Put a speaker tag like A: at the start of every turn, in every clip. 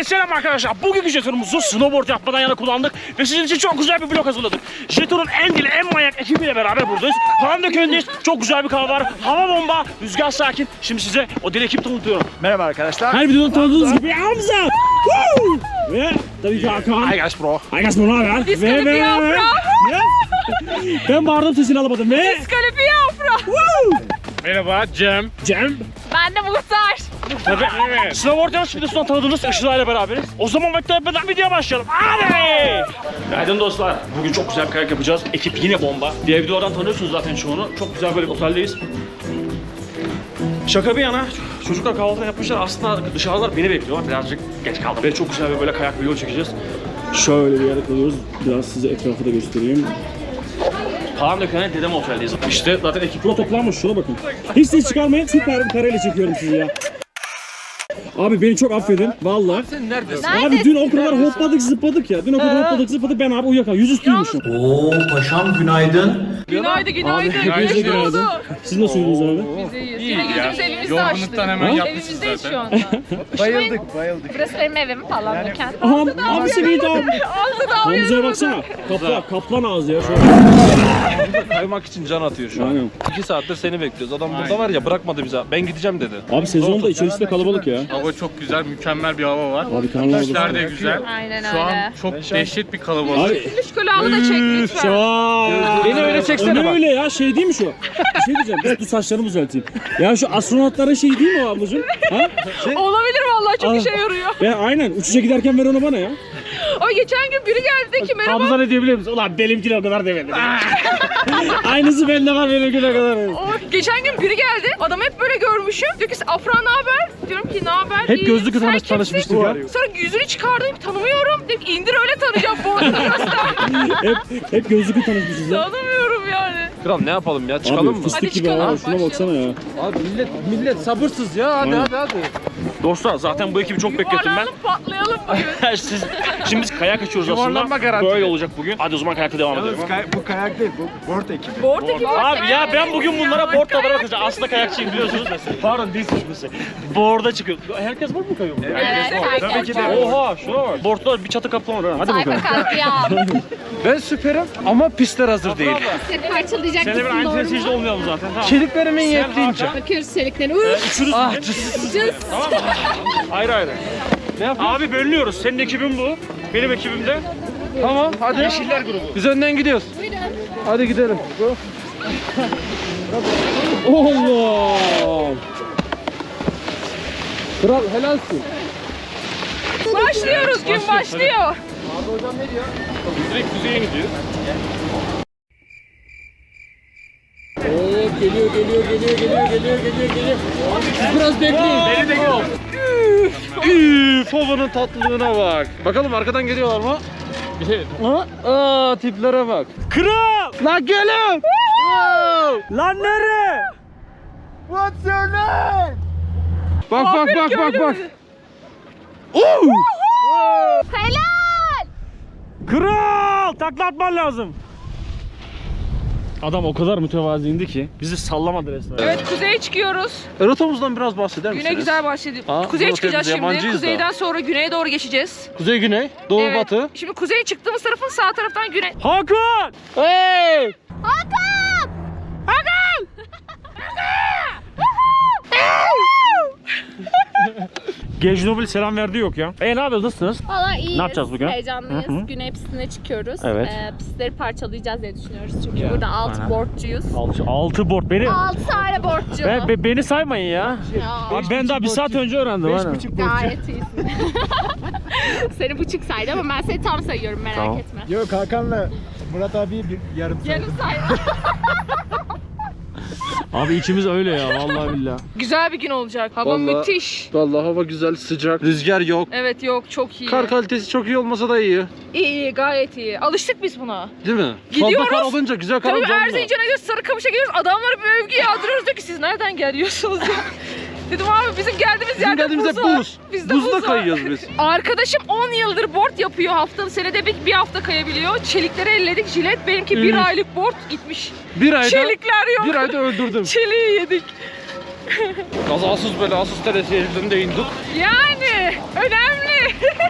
A: Selam arkadaşlar. Bugünkü jetonumuzu snowboard yapmadan yana kullandık ve sizin için çok güzel bir vlog hazırladık. Jetonun en dili, en manyak ekibiyle beraber buradayız. Palandöken'deyiz. Çok güzel bir kahve var. Hava bomba, rüzgar sakin. Şimdi size o deli ekibi tanıtıyorum.
B: Merhaba arkadaşlar.
A: Her videoda tanıdığınız gibi Hamza. Ve tabii ki Hakan.
B: Hi guys bro.
A: Hi guys, ne haber?
C: Diskalifiye
A: Ben bağırdım, sesini alamadım. Ve
C: Diskalifiye Afra.
A: merhaba Cem.
C: Ben de Muhtar.
A: Tabii evet. Snowboard yarış videosundan tanıdığınız Işıl'a ile beraberiz. O zaman beklemeden videoya başlayalım. Hadi! Günaydın dostlar. Bugün çok güzel bir kayak yapacağız. Ekip yine bomba. Diğer videolardan tanıyorsunuz zaten çoğunu. Çok güzel böyle bir oteldeyiz. Şaka bir yana, çocuklar kahvaltı yapmışlar. Aslında dışarıdalar beni bekliyorlar. Birazcık geç kaldım. Ve çok güzel bir böyle kayak video çekeceğiz. Şöyle bir yere kalıyoruz. Biraz size etrafı da göstereyim. Palandöken'e dedem oteldeyiz. İşte zaten ekipler toplanmış. Şuna bakın. Hiç ses çıkarmayın. Süper bir kareyle çekiyorum sizi ya. Abi beni çok affedin. Vallahi.
B: Sen neredesin?
A: Abi dün o kadar hopladık zıpladık ya. Dün o kadar hopladık zıpladık. Ben abi uyuyakaldım. Yüzüstüymüşüm.
D: Oo paşam günaydın.
C: Günaydın, günaydın.
A: Hepinize günaydın. Siz nasıl uyudunuz abi?
C: Biz iyiyiz. Yine gözümüz evimizde açtık.
B: Yorgunluktan hemen yapmışsınız
C: Evimizdeyiz şu
B: zaten.
C: anda.
B: Bayıldık.
C: Burası benim evim falan döken.
A: Aha abisi miydi abi?
C: Ağzı da
A: Hamza'ya baksana. Kaplan ağzı ya. Şöyle.
B: Kaymak için can atıyor şu an.
A: Aynen.
B: 2 saattir seni bekliyoruz. Adam burada var ya bırakmadı bize. Ben gideceğim dedi.
A: Abi sezonda içerisi de kalabalık ya.
E: Hava çok güzel, mükemmel bir hava var.
A: Abi kanalda
E: İşler de güzel.
C: Aynen
E: Şu an
C: öyle.
E: çok dehşet bir kalabalık.
A: Abi
C: Şu kulağımı da çek lütfen.
A: şaaa.
B: Beni öyle çeksene
A: Öyle
B: bak.
A: öyle ya, şey değil mi şu? Bir şey diyeceğim, dur saçlarımı düzelteyim. Ya şu astronotların şey değil mi o ablacığım? Ha?
C: Olabilir vallahi çok işe yarıyor.
A: Ben aynen uçuşa giderken ver onu bana ya.
C: Ama geçen gün biri geldi dedi ki merhaba.
A: Hamza ne diyebiliyor musun? Ulan benimkine o kadar demedi. Aynısı bende var, benimkine kadar demedi.
C: Geçen gün biri geldi. Adamı hep böyle görmüşüm. Diyor ki Afra ne haber? Diyorum ki ne haber?
A: Hep
C: İyi.
A: gözlükle
C: Sen
A: tanışmıştık
C: kimsin?
A: ya.
C: Sonra yüzünü çıkardım tanımıyorum. Dedim ki indir öyle tanıyacağım. Boğazını göster.
A: hep gözlükle tanışmışız ya.
C: Tanımıyorum yani.
B: Kral ne yapalım ya? Çıkalım
A: Abi
B: mı?
A: fıstık
C: Hadi
A: gibi
C: çıkalım,
A: ha, şuna baksana ya.
B: Abi millet sabırsız ya. Hadi
A: Aynen.
B: hadi.
A: Dostlar zaten bu ekibi çok beklettim ben.
C: Yuvarlanıp patlayalım bugün.
A: Şimdi biz kayak açıyoruz
B: Yuvarlanma
A: aslında.
B: garanti.
A: Böyle olacak bugün. Hadi o zaman kayakla devam edelim.
F: Bu kayak değil, bu board ekibi.
C: Board ekibi.
A: Abi ya ben bugün bunlara board da
C: Kayak.
A: bırakacağım. Aslında kayakçıyım biliyorsunuz mesela. Pardon değil suçlusu. Board'a çıkıyor. Herkes board mu kayıyor?
C: Evet,
F: Tabii ki de.
A: Oha şuna bak. Board'da bir çatı kaplama var. Hadi bakalım.
C: Sayfa katliam.
B: Ben süperim ama pistler hazır değil.
G: Seni parçalayacak
A: Seninle bir aynı temsilcide olmayalım zaten. Tamam.
B: Çeliklerimin yettiğince.
G: Bakıyoruz çeliklerine.
A: Üçünüz tamam mı? Ayrı ayrı.
B: Ne yapıyorsun?
A: Abi bölünüyoruz. Senin ekibin bu. Benim ekibim de.
B: Tamam hadi.
A: Yeşiller grubu.
B: Biz önden gidiyoruz. Hadi gidelim.
A: Allah!
B: Kral helalsin.
C: Başlıyoruz gün başlıyor.
A: Direkt kuzeye gidiyor.
B: Evet geliyor. Siz biraz bekleyin.
A: Beni de gör.
B: Üf, havanın tatlılığına bak. Bakalım arkadan geliyorlar mı? Aa tiplere bak.
A: Kral!
B: Lan gelin.
A: Lan nere?
F: What's your name?
B: Bak.
C: Helal.
A: Kral! Takla atman lazım. Adam o kadar mütevaziydi ki bizi sallamadı resmen.
C: Evet kuzeye çıkıyoruz.
B: Rotamızdan biraz bahseder misiniz?
C: Güne güzel başladı.
B: Aa,
C: Kuzeye
B: bu
C: çıkacağız
B: biz
C: şimdi.
B: yabancıyız da.
C: Kuzeyden sonra güneye doğru geçeceğiz.
B: Kuzey güney, doğu
C: Evet.
B: batı.
C: Şimdi kuzeye çıktığımız tarafın sağ taraftan güney.
A: Hakan!
B: Hey!
A: Gejnobil selam verdi yok ya. Ne yapıyoruz, nasılsınız?
G: Valla iyiyiz.
A: Ne yapacağız bugün?
G: Heyecanlıyız.
A: Hı hı.
G: Güney pistine çıkıyoruz.
A: Evet.
G: Pistleri parçalayacağız diye düşünüyoruz. Çünkü burada 6 boardçuyuz.
A: 6 board beni.
G: 6 tane boardçu.
A: Beni saymayın ya.
G: Ya,
A: Abi ben daha bir saat önce öğrendim. aynen.
G: gayet iyisin. Seni buçuk saydı ama ben seni tam sayıyorum, merak
A: Tamam.
G: etme.
F: Yok Hakan'la Murat abi bir yarım saat.
G: Yarım saydı.
A: Abi içimiz öyle ya vallahi billahi.
C: Güzel bir gün olacak. Hava
B: Vallahi-
C: müthiş.
B: Vallahi hava güzel, sıcak, rüzgar yok.
C: Evet yok çok iyi.
B: Kar kalitesi çok iyi olmasa da iyi.
C: İyi gayet iyi. Alıştık biz buna.
B: Değil mi?
C: Gidiyoruz.
B: Fazla kar olunca, güzel kar
C: Tabii
B: olunca olmuyor.
C: Erzincan'a gidiyoruz, Sarıkamış'a gidiyoruz. Adamlara bir övgü yağdırıyoruz diyor ki siz nereden geliyorsunuz ya. Dedim abi bizim geldiğimiz
B: Bizim
C: yerde
B: geldiğimizde
C: buz var.
B: buz.
C: Bizde
B: Buzda
C: buz var.
B: kayıyoruz biz.
C: Arkadaşım 10 yıldır board yapıyor, haftanın senede bir hafta kayabiliyor. Çelikleri elledik, jilet benimki bir
B: Üf.
C: aylık board gitmiş.
B: Bir ayda,
C: Çelikler yok.
B: bir ayda öldürdüm.
C: Çeliği yedik.
B: Kazasız belasız teresi elimde indik.
C: Yani önemli.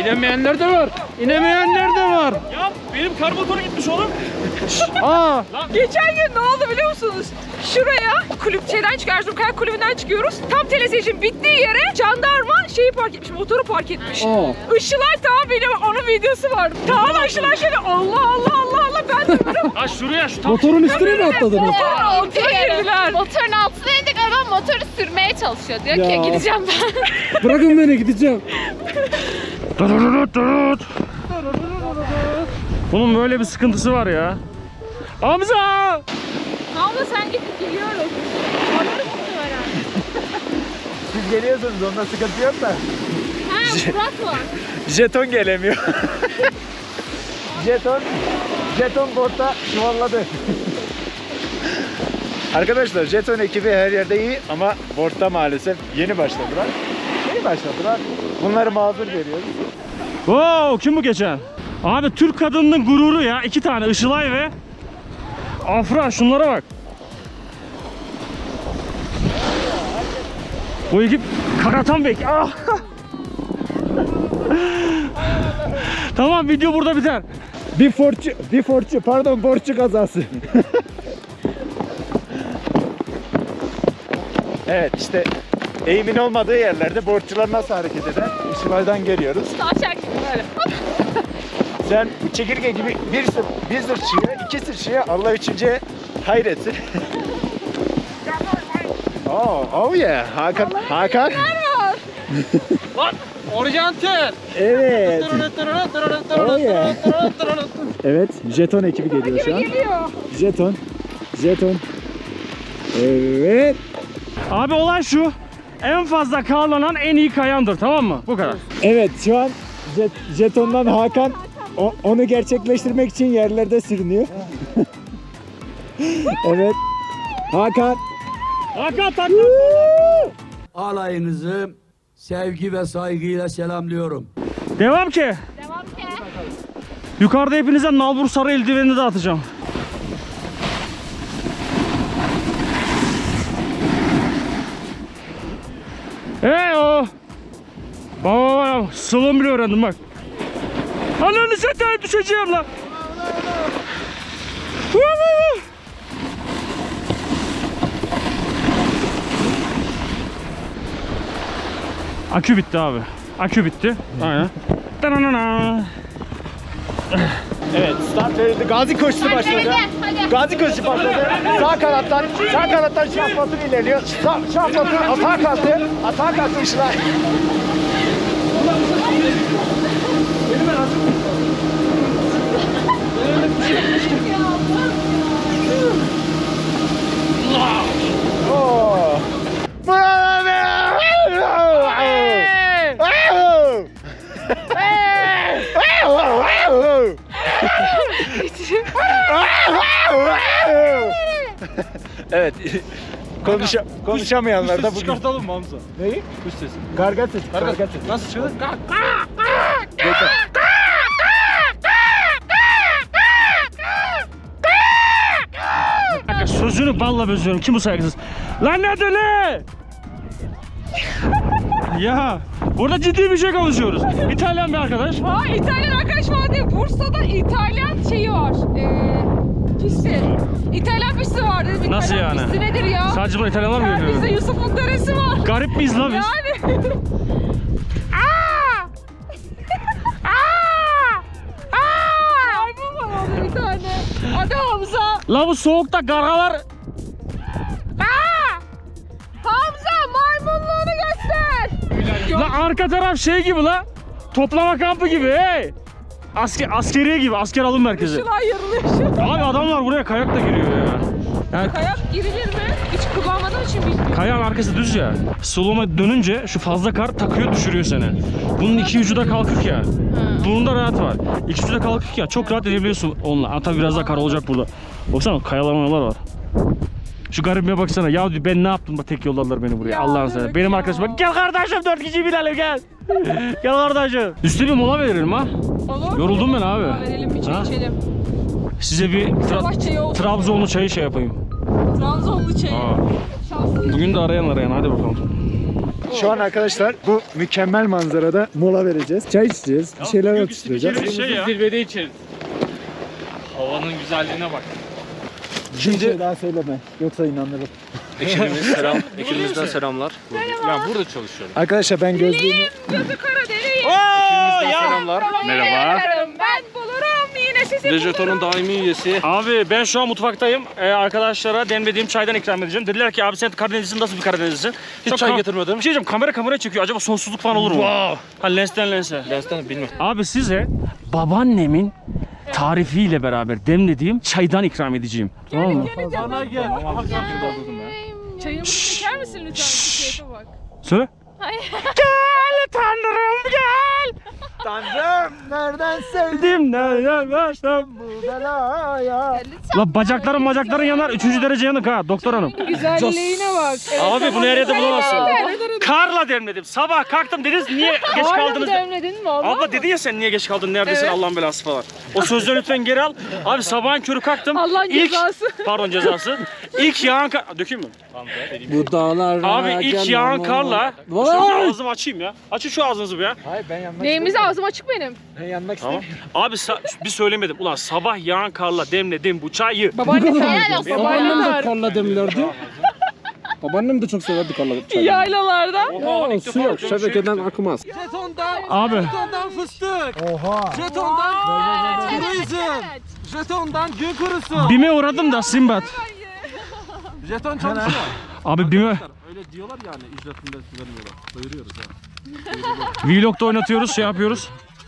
B: İnemeyenler de var. İnemeyenler de var.
A: Ya benim kar motoru gitmiş oğlum.
B: Aa,
C: Geçen gün ne oldu biliyor musunuz? Şuraya şeyden çıkıyoruz, Erzurum Kayak Kulübü'nden çıkıyoruz. Tam teleseyircinin bittiği yere jandarma şeyi park etmiş, motoru park etmiş. Işılay tamam benim onun videosu var. Tamam Işılay şöyle Allah Allah Allah Allah ben de böyle
A: Ha şuraya şu tam.
B: motorun üstüne mi atladınız?
C: motorun altına girdiler.
G: Motorun altına indik, adam motoru sürmeye çalışıyor. Diyor
B: Ya.
G: ki gideceğim ben.
B: Bırakın beni, gideceğim.
A: Bunun böyle bir sıkıntısı var ya. Hamza!
C: Abla sen gidip geliyoruz. Onları muhtemelen.
F: Siz geliyorsunuz onda sıkıntı yok da.
G: Ha, Murat var.
F: Jeton gelemiyor. Jeton botta çuvalladı. Arkadaşlar jeton ekibi her yerde iyi ama boardta maalesef yeni başladılar. Bunları mazur görüyoruz.
A: Wow, kim bu geçen? Abi Türk kadınının gururu ya. 2 tane Işılay ve Afra, şunlara bak. Bu ekip karatan bek. Ah! Tamam, video burada biter.
F: Borçlu kazası. Evet işte eğimin olmadığı yerlerde borçlular nasıl hareket eder? Işılay'dan geliyoruz.
G: Tavşak gibi böyle.
F: Sen bu çekirge gibi bir sırçıya, iki sırçıya, Allah üçüncüye hayretsin. Oh yeah. Hakan.
B: Oryantal.
F: Evet. Oh yeah. Evet, jeton ekibi geliyor şu an.
C: Geliyor.
F: Jeton. Evet.
A: Abi olay şu. En fazla karlanan en iyi kayandır, tamam mı? Bu kadar.
F: Evet, şu an jetondan Hakan onu gerçekleştirmek için yerlerde sürünüyor. Evet. Hakan.
A: Hakan takla.
H: Alayınızı sevgi ve saygıyla selamlıyorum.
A: Devam ki.
G: Devam ki.
A: Yukarıda hepinize nalbur sarı eldivenini de atacağım. O. Bak, slalom bile öğrendim bak. Ananı satayım, düşeceğim lan. Akü bitti abi. Akü bitti. Aynen. Dananana.
F: Evet, start verildi. Gazi koşusu başladı.
G: Hadi.
F: Gazi koşusu başladı. Sağ kanattan Şah Batur ilerliyor. Şah Batur atağa kalktı Işılay. Oh. Evet. Konuşamayanlar da bugün.
B: Çıkartalım mı Hamza?
F: Neyi?
B: Kuş sesi.
F: Karga sesi. Karga sesi.
B: Nasıl çıkıyor?
A: Kanka sözünü balla bözüyorum. Kim bu saygısız? Lan ne ne? Ya burada ciddi bir şey konuşuyoruz. İtalyan bir arkadaş.
C: Ha İtalyan arkadaş var diye Bursa'da İtalyan şeyi var. Pisti. İtalyan pisti var dedim.
A: Nasıl
C: İtalyan
A: yani?
C: Pisti nedir ya?
A: Sadece bu İtalyanlar mı
C: Bizde
A: görüyor?
C: Yusuf'un deresi var.
A: Garip miyiz lan biz?
C: Yani. Aa! Aa! Aa! Maymun var orada bir tane. Hadi Hamza.
A: La bu soğukta gargalar.
C: Aa! Hamza maymunluğunu göster.
A: La arka taraf şey gibi la. Toplama kampı gibi hey. Askeriye gibi, asker alım merkezi.
C: Şılay yarılıyor şu.
A: Abi adamlar buraya kayakla giriyor ya. Yani
C: Kayak girilir mi? Hiç kullanmadığım için bilmiyorum.
A: kayağın arkası düz ya. Slow'a dönünce şu fazla kar takıyor, düşürüyor seni. Bunun iki ucu da kalkık ya. Bunun da rahat var. İki ucu da kalkık ya. Çok rahat edebiliyorsun onunla. Ama tabii biraz daha kar olacak burada. Baksana kayalamalar var. Şu garibime baksana. Ya diyor, ben ne yaptım da tek yolladılar beni buraya.
C: Ya
A: Allah'ın
C: evet
A: seversen. Benim
C: ya.
A: arkadaşım bak. Gel kardeşim 4 kişi binelim gel. Gel kardeşim. Üstüne bir mola verelim ha.
C: Olur.
A: Yoruldum ben abi.
C: Verelim bir çay
A: Ha?
C: içelim.
A: Size bir
C: Savaş çayı olsun.
A: Trabzonlu çayı şey yapayım.
C: Trabzonlu çayı.
A: Aa.
C: Şanslı.
A: Bugün de arayan hadi bakalım.
F: Şu an arkadaşlar bu mükemmel manzarada mola vereceğiz. Çay içeceğiz. Bir şeyler atıştıracağız.
A: Bir şey ya.
E: Zirvede içeriz. Havanın güzelliğine bak.
F: Bir şey daha söyleme. Yoksa inanırım.
E: Ekibimizden selamlar. Ben burada çalışıyorum.
F: Arkadaşlar ben gözlüğümü...
C: Gözü kara deli.
E: Selamlar. Merhaba.
C: Ben bulurum yine sizi
E: Dejeton'un daimi üyesi.
A: Abi ben şu an mutfaktayım. Arkadaşlara demlediğim çaydan ikram edeceğim. Dediler ki abi sen Karadenizlisin, nasıl bir Karadenizlisin?
E: Hiç çay getirmedim.
A: Bir şey diyeceğim, kamera çekiyor. Acaba sonsuzluk falan olur mu?
E: Wow.
A: Ha lensten lense.
E: Lensten bilmiyorum.
A: Abi size babaannemin tarifiyle beraber demlediğim çaydan ikram edeceğim. Tamam mı?
C: Çayımı çeker misin lütfen? Keyfe bak.
A: Söyle. Gel tanrım gel.
F: Tanrım nereden sevdim
A: Sevdim nereden başlam.
F: bu belaya?
A: La bacakların yanar. 3. derece yanık ha doktor hanım.
C: Güzelliğine bak.
A: Abi bunu her yerde bulamazsın. Karla demledim. Sabah kalktım dediniz niye geç kaldınız?
C: demledin mi abla?
A: Abla dedi ya sen niye geç kaldın neredesin
C: Evet.
A: Allah'ın belası falan. O sözleri lütfen geri al. Abi sabahın körü kalktım.
C: Allah'ın cezası.
A: Pardon cezası. İlk yağan kar... Dökeyim mi?
B: Bu dağlar.
A: Abi ilk yağan karla... Şu ağzımı açayım ya. Açın şu ağzınızı bir ya.
F: Hayır ben yanmak
C: Neyimiz ağzım açık benim.
F: Ben yanmak
A: Tamam.
F: istemiyorum.
A: Abi bir söylemedim. Ulan sabah yağan karla demledim bu çayı.
C: Babaanne helal olsun.
B: Babaannem de
C: Babaanne
B: karla demlerdi. Babaannem de çok severdi karla.
C: yaylalarda.
B: Ya su yok. Şebekeden akmaz.
A: Abi.
B: Jetondan fıstık.
F: Oha.
B: Jetondan turizm. Jetondan gün kurusu.
A: BİM'e uğradım da Simbat.
B: Jeton çalışıyor.
A: Abi BİM'e...
B: Öyle diyorlar yani ücretinde vermiyorlar. Doyuruyoruz ya.
A: Vlog'da oynatıyoruz, şey yapıyoruz.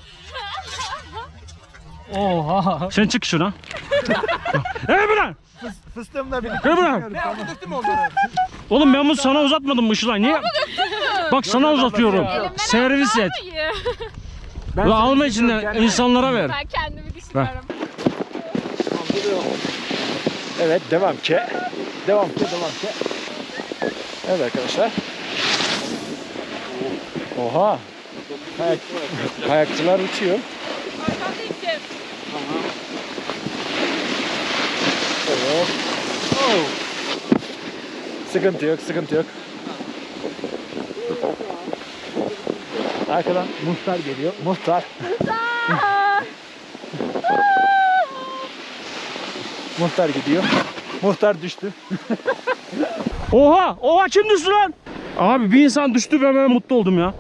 B: Oha.
A: Sen çık şuna. Lan!
F: Fıstığımla birlikte.
A: Lan!
B: Döktün mü onları?
A: Oğlum ben bunu sana uzatmadım mı Işılay? Niye? Bak sana uzatıyorum. Servis et.
F: Ben
A: Ve alma içinden insanlara ver.
G: Ben kendimi düşünüyorum.
F: Evet devam ki. Devam ki. Evet arkadaşlar. Oha. Kayakçılar uçuyor. Evet. Sıkıntı yok. Arkadan muhtar geliyor. Muhtar. Muhtar gidiyor. Muhtar düştü.
A: Oha kim düştü lan? Abi bir insan düştü ve ben mutlu oldum ya.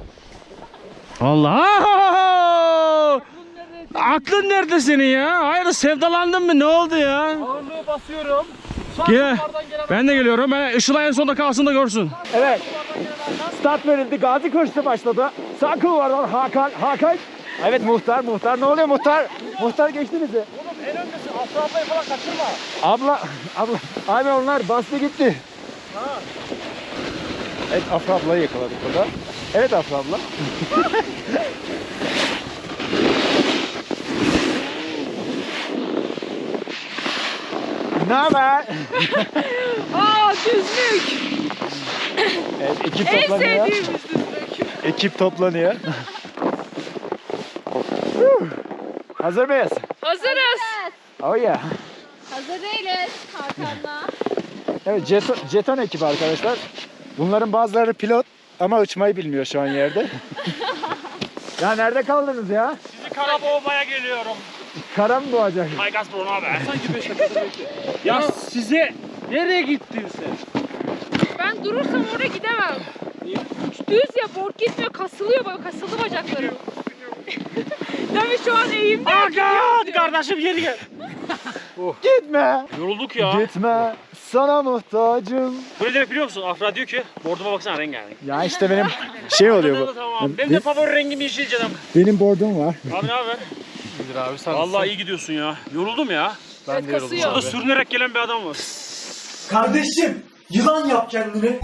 A: Allah! Aklın nerede senin ya? Hayır sevdalandın mı? Ne oldu ya?
B: Ağırlığı basıyorum.
A: Gel. Ben de geliyorum. Işılay en sonunda kalsın da görsün.
F: Evet. Start verildi. Gazi koşusu başladı. Sağ kulvardan Hakan. Evet muhtar. Ne oluyor muhtar? Muhtar geçti bizi.
A: Oğlum en öndesin. Aslı ablayı falan kaçırma.
F: Abla. Abi onlar bastı gitti. Evet Afra ablayı yakaladık burada. Evet Afra abla. Ne haber?
C: Düzlük.
F: Evet ekip
C: En
F: toplanıyor.
C: sevdiğimiz düzlük.
F: Ekip toplanıyor. Hazır mıyız?
C: Hazırız.
F: Oh yeah.
G: Hazır değiliz Hakan'la.
F: Evet jeton ekibi arkadaşlar. Bunların bazıları pilot ama uçmayı bilmiyor şu an yerde. Ya nerede kaldınız ya?
A: Sizi kara boğmaya geliyorum.
F: Kara mı boğacak?
A: Hay Gazprom abi. Sanki 5 dakika Ya size nereye gittin sen?
C: Ben durursam oraya gidemem. Düz ya board gitmiyor kasılıyor böyle kasıldı bacaklarım. Tabii şu an eğimde.
A: Hadi kardeşim geri gel.
F: Gitme.
A: Yorulduk ya.
F: Gitme. Sana muhtacım.
A: Böyle demek biliyor musun? Afra diyor ki borduma baksana rengarenk.
F: Ya işte benim şey oluyor bu.
A: Tamam. Benim de favori rengim yeşil canım.
F: Benim bordum var.
A: Abi ne haber?
E: İyidir abi sen
A: Vallahi iyi gidiyorsun ya. Yoruldum ya.
C: Evet, kasıyor.
A: Burada sürünerek gelen bir adam var.
D: Kardeşim yılan yap kendini.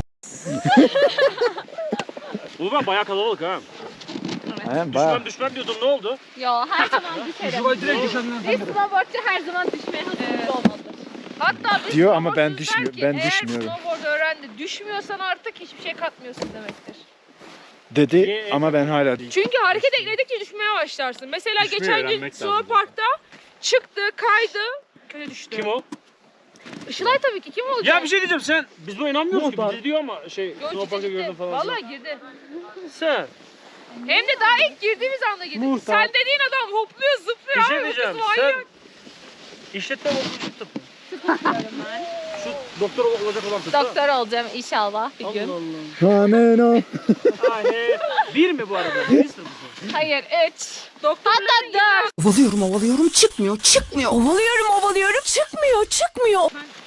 A: Oğlum ben bayağı kalabalık ha.
F: Aynen, bayağı.
A: Düşmem diyordum ne oldu?
G: Yo her zaman düşerim. Ve snowboardçı her zaman düşmeye hazırlıklı olmalıdır.
C: Hatta bir
F: Diyor ama ben
C: snowboardçu
F: düşmüyorum,
C: der ki,
F: ben düşmüyorum.
C: Eğer snowboard öğrendi düşmüyorsan artık hiçbir şey katmıyorsun demektir.
F: Dedi ama ben hala değil.
C: Çünkü hareket ekledikçe düşmeye başlarsın. Mesela
E: Düşmeyi
C: geçen gün
E: öğrenmek lazım.
C: snowparkta çıktı, kaydı, kötü düştü.
A: Kim o?
C: Işılay tabii ki kim olacak?
A: Ya bir şey diyeceğim sen. Biz buna inanmıyoruz ki. Bizi diyor ama şey.
C: Yo,
A: Snowpark'a
C: ciddi
A: gördüm
C: ciddi.
A: falan.
C: Vallahi girdi.
A: Sen.
C: Hem de daha ilk girdiğimiz anda girdi. Sen dediğin adam hopluyor zıplıyor.
A: Bir şey
C: abi, bu
A: diyeceğim.
C: kız
A: Sen
C: manyak.
A: işletme okumuş tıp. Şu doktor olacak olan tıp.
G: Doktor olacağım inşallah bir gün.
F: Amen o.
A: Ay, bir mi bu arada? Bir sınıf mı?
G: Hayır 3.
C: Doktorların
G: Hatta 4.
I: Ovalıyorum çıkmıyor. Ovalıyorum çıkmıyor.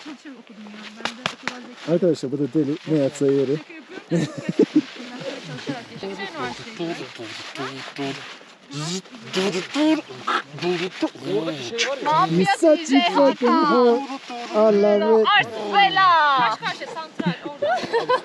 F: Arkadaşlar bu da deli. Ne yapsa yeri.
G: Mafya DJ Hakan.
F: Allah'ım.
G: Arsbela.
C: karşı santral orada.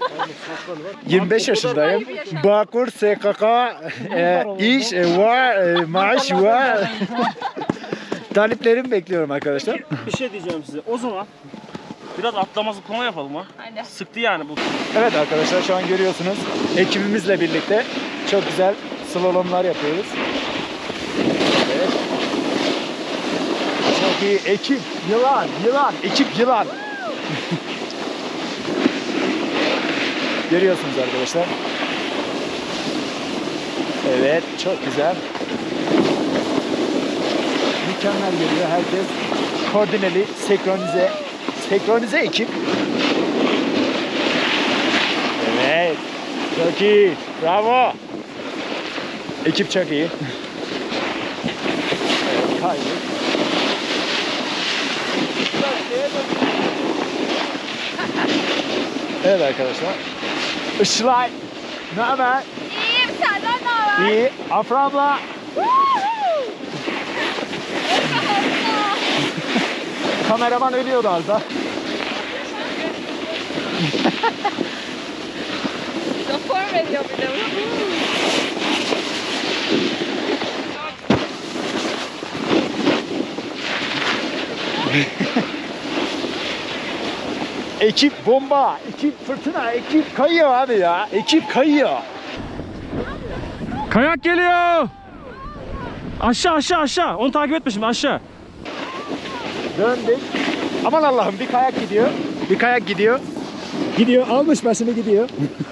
F: 25 yaşındayım. Bağkur SKK iş var, maaş var. Taliplerimi bekliyorum arkadaşlar.
A: Bir şey diyeceğim size. O zaman biraz atlama zıplama yapalım ha.
C: Aynen.
A: Sıktı yani bu.
F: Evet arkadaşlar şu an görüyorsunuz ekibimizle birlikte çok güzel slalomlar yapıyoruz. Evet. Çok iyi ekip yılan ekip yılan. Görüyorsunuz arkadaşlar. Evet çok güzel. Mükemmel geliyor herkes. Koordineli, senkronize ekip. Evet. Çok iyi. Bravo. Ekip çok iyi. Evet, kaydık. Evet arkadaşlar. Işılay. Ne haber?
G: İyiyim senden ne haber?
F: İyi. Afra abla. Kameraman ölüyordu az da.
C: Rapor veriyor bir de.
F: Ekip bomba, ekip fırtına, ekip kayıyor abi ya. Ekip kayıyor.
A: Kayak geliyor. Aşağı. Onu takip etme şimdi aşağı.
F: Döndük. Aman Allah'ım bir kayak gidiyor. Bir kayak gidiyor. Gidiyor, almış başını gidiyor.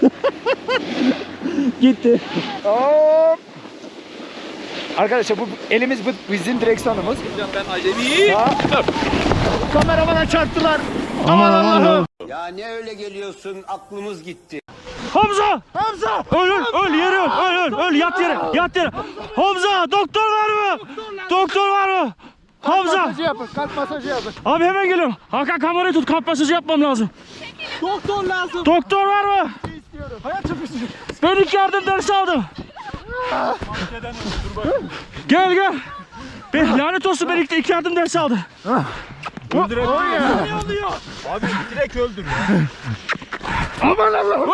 F: Gitti. Hop. Arkadaşlar bu elimiz bu bizim direksiyonumuz.
B: Ben acemiyim.
F: Kameramana çarptılar. Aman Allah'ım.
J: Ya ne öyle geliyorsun, aklımız gitti.
A: Hamza! Öl yere öl yat yere. Hamza doktor var mı? Doktor var mı? Hamza!
F: Masajı yapın, kalp masajı yapın.
A: Abi hemen geliyorum. Hakan kamerayı tut, kalp masajı yapmam lazım.
F: Doktor lazım.
A: Doktor var mı?
F: İstiyorum. Hayat çöpüsü.
A: Ben ilk yardım dersi aldım. Gel. Ben lanet olsun ben ilk yardım dersi aldım.
F: Öldürek.
B: Abi direkt öldür.
F: Aman Allah'ım.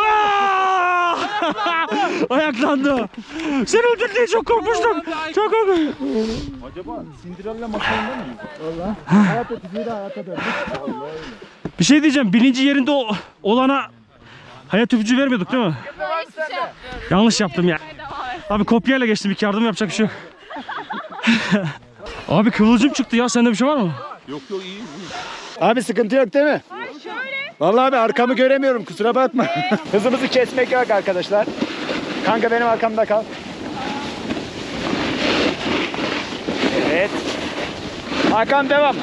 A: Ayaklandı. Seni öldür diye çok korkmuştum. Çok korkmuştum.
B: Acaba Cinderella masalında mı?
F: Vallahi. Hayat öpücüğü de hayata döndük.
A: Bir şey diyeceğim. Bilinci yerinde olana hayat öpücüğü vermiyorduk değil mi? Yanlış yaptım ya. Abi kopyayla geçtim. İlk yardım yapacak bir şey yok. Abi kıvılcım çıktı ya. Sende bir şey var mı?
B: Yok iyi.
F: Abi sıkıntı yok değil mi? Vallahi abi arkamı göremiyorum kusura bakma. Hızımızı kesmek yok arkadaşlar. Kanka benim arkamda kal. Evet. Hakan devam.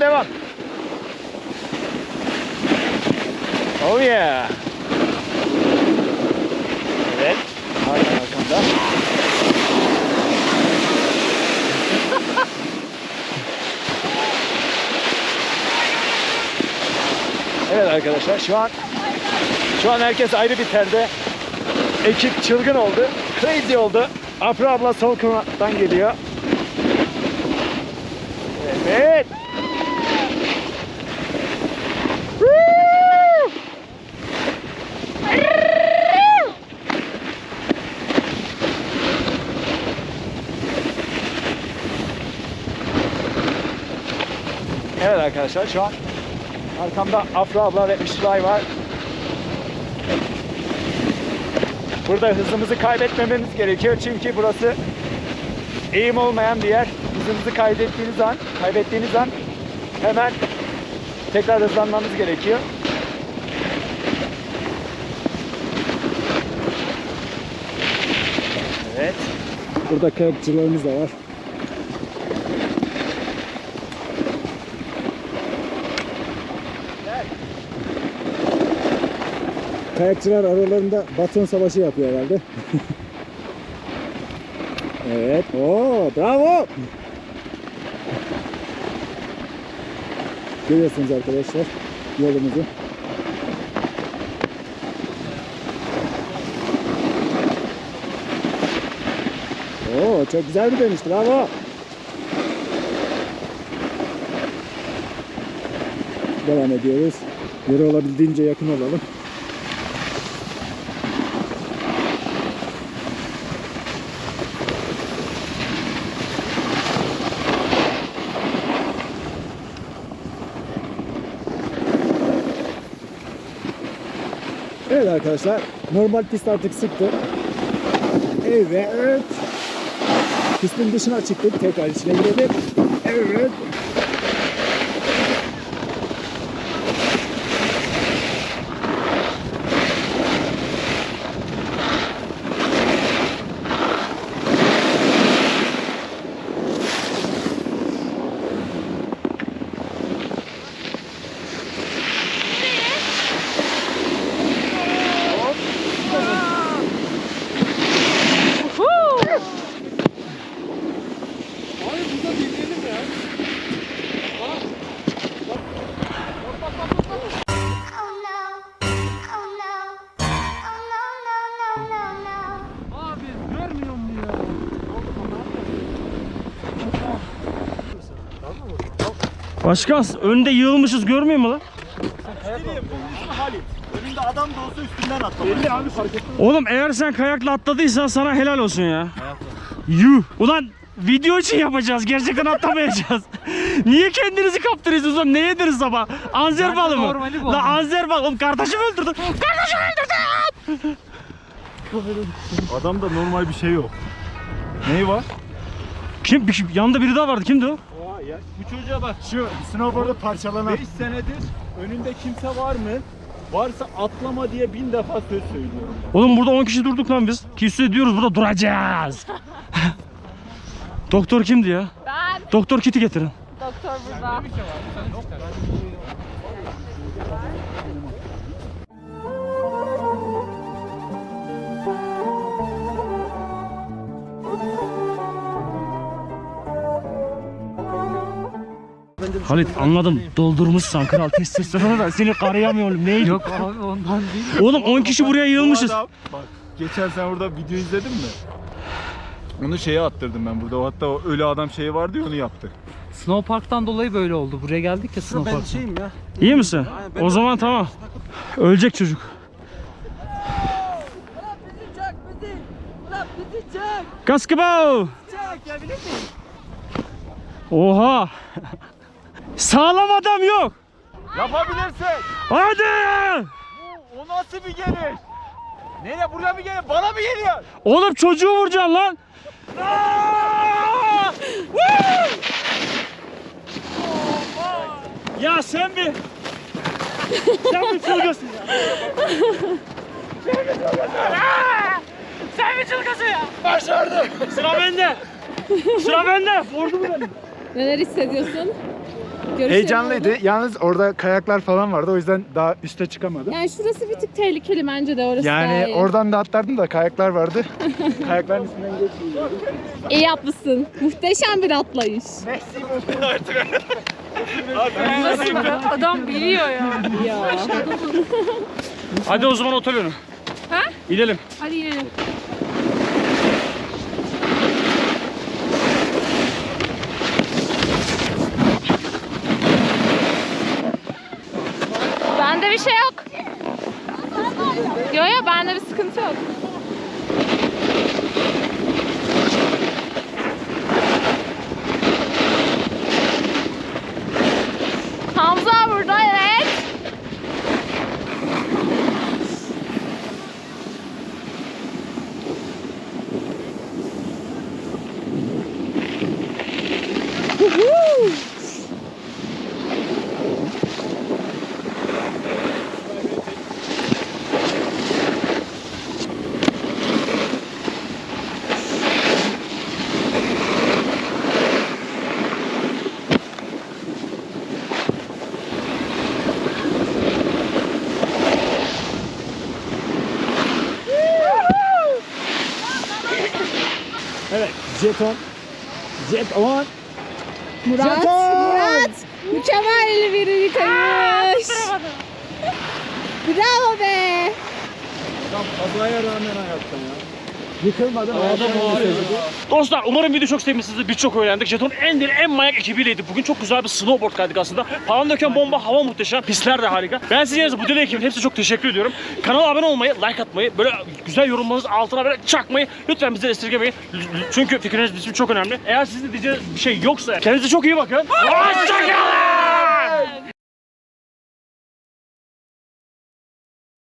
F: Oh yeah. Evet. Hakan arkamda. Evet arkadaşlar şu an herkes ayrı bir terde. Ekip çılgın oldu. Crazy oldu. Afra abla sol kanattan geliyor. Evet. Evet arkadaşlar şu an arkamda Afra abla ve Işılay var. Burada hızımızı kaybetmememiz gerekiyor çünkü burası eğim olmayan bir yer. Hızınızı kaybettiğiniz an hemen tekrar hızlanmamız gerekiyor. Evet. Burada kayakçılarımız da var. Kayakçılar aralarında baton savaşı yapıyor herhalde. Evet. Oo, bravo. Görüyorsunuz arkadaşlar yolumuzu. Oo, çok güzel bir dönüş. Bravo. Devam ediyoruz. Yere olabildiğince yakın olalım. Evet arkadaşlar, normal pist artık sıktı. Evet. Pistin dışına çıktık, tekrar içine girelim. Evet.
A: Başkan önde yığılmışız görmüyor musun lan?
D: Halit. Önünde adam da olsa üstünden atlamak.
A: Oğlum eğer sen kayakla atladıysan sana helal olsun ya. Yuh. Ulan video için yapacağız. Gerçekten atlamayacağız. Niye kendinizi kaptırıyorsunuz oğlum? Ne yediniz sabah? Anzer balı mı? La anzer balı. Oğlum kardeşim öldürdü. Kardeşim öldürdü.
B: Adamda normal bir şey yok. Neyi var?
A: Kim? Yanında biri daha vardı. Kimdi o?
B: Bu çocuğa bak, şu snowboard'u parçalanan 5 senedir önünde kimse var mı? Varsa atlama diye 1000 defa söz söylüyorum.
A: Oğlum burada 10 kişi durduk lan biz. Küsü ediyoruz, burada duracağız. Doktor kimdi ya?
G: Ben.
A: Doktor kiti getirin.
G: Doktor burada.
A: Halit anladım. Doldurmuşsan kral testosteronu da seni karayamıyorum. Neydi?
E: Yok abi ondan değil.
A: Oğlum 10 kişi buraya yığılmışız.
B: Bu adam, bak geçen sen orada video izledin mi? Onu şeye attırdım ben burada. Hatta o ölü adam şeyi vardı ya, onu yaptı.
E: Snowpark'tan dolayı böyle oldu. Buraya geldik ya Snowpark'tan.
D: ya.
A: İyi misin? O zaman tamam. Ölecek çocuk. Kaskıbao. Oha. Sağlam adam yok.
B: Yapabilirsin.
A: Hadi.
B: O nasıl bir geliş? Nereye, buraya mı geliyor? Bana mı geliyor?
A: Oğlum çocuğu vuracaksın lan. Aa! Woo! Ya sen bir çılgınsın ya. Sen bir çılgınsın ya. Başardım. Sıra bende. Sıra bende. Vurdu mu beni?
G: Neler hissediyorsun?
F: Heyecanlıydı. Yalnız orada kayaklar falan vardı. O yüzden daha üste çıkamadım.
G: Yani şurası bir tık tehlikeli bence de, orası daha
F: Yani
G: iyi.
F: oradan da atlardım da kayaklar vardı. Kayakların üstünden geçmiyordum.
G: İyi yapmışsın. Muhteşem bir atlayış.
C: Nasıl be? Adam biliyor ya.
G: Ya.
A: Hadi o zaman otel önü.
C: Ha?
A: İnelim.
C: Hadi inelim.
G: Bende bir şey yok. Yo bende bir sıkıntı yok. Hamza burada, evet.
F: Evet, jeton. Jeton.
G: Murat mükemmel bir yıkayış. Bravo be.
B: Adam kazaya rağmen hayatta ya.
F: Yıkılmadan
A: Dostlar umarım video çok sevmişsinizdir. Birçok öğrendik. Jeton'un en manyak ekibiyledik. Bugün çok güzel bir snowboard kaydık aslında. Palandöken bomba, hava muhteşem. Pistler de harika. Ben sizin bu deli ekibin hepsine çok teşekkür ediyorum. Kanala abone olmayı, like atmayı, böyle güzel yorumlarınızı altına böyle çakmayı lütfen bizden esirgemeyin. Çünkü fikriniz bizim için çok önemli. Eğer sizin de diyeceğiniz bir şey yoksa kendinize çok iyi bakın. Hoşçakalın.